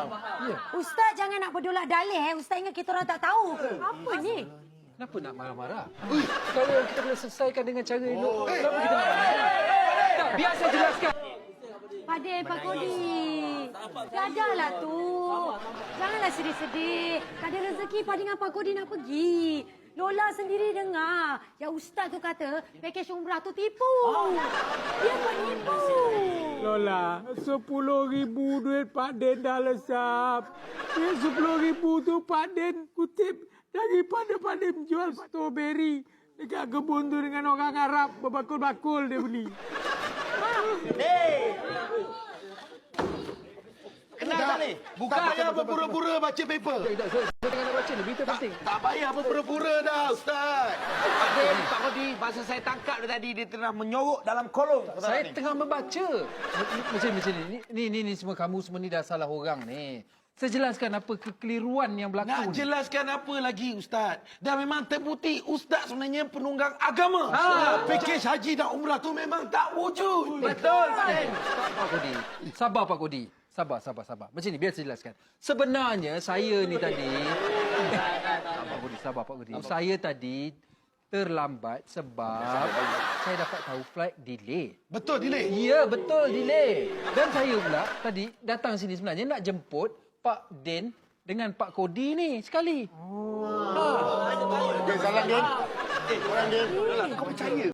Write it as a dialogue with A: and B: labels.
A: Ustaz jangan nak berdolak dalih. Ustaz ingat kita orang tak tahu ke? Apa ni?
B: Kenapa nak marah-marah? Kalau kita boleh selesaikan dengan cara elok, kenapa kita nak marah? Tak, biar saya jelaskan.
A: Pak Kodi. Gadahlah tu. Janganlah sedih-sedih. Tak ada rezeki Pak dengan Pak Kodi nak pergi. Lola sendiri dengar. Yang Ustaz tu kata, pakej umrah tu tipu. Dia penipu.
C: Lola, 10,000 duit Pak Den dah lesap. Duit 10,000 tu Pak Den kutip daripada Pak Den jual strawberry dekat kebun tu dengan orang Arab. Berbakul-bakul dia beli.
D: Kenal ni? Bukan tak payah berpura-pura baca paper.
B: Saya tengah nak baca ni, berita penting.
D: Tak payah berpura-pura dah, Ustaz.
E: Pak Kodi, masa saya tangkap dia tadi, dia tengah menyorok dalam kolong.
B: Saya tengah membaca. Macam ni. Ni semua kamu semua ni dah salah orang ni. Saya jelaskan apa kekeliruan yang berlaku.
D: Nak jelaskan apa lagi, Ustaz? Dah memang terbukti Ustaz sebenarnya penunggang agama. Pakej haji dan umrah tu memang tak wujud.
E: Betul, Pak Den.
B: Pak Kodi. Sabar, Pak Kodi. Sabar. Macam ni, biar saya jelaskan. Sebenarnya saya ni tadi... Sabar, Pak Kodi. Saya tadi terlambat sebab saya dapat tahu flight delay.
D: Betul, delay?
B: Ya, betul, delay. Dan saya pula tadi datang sini sebenarnya nak jemput Pak Den dengan Pak Kodi ni sekali.
D: Salam, Den. Orang Den. Kau percaya?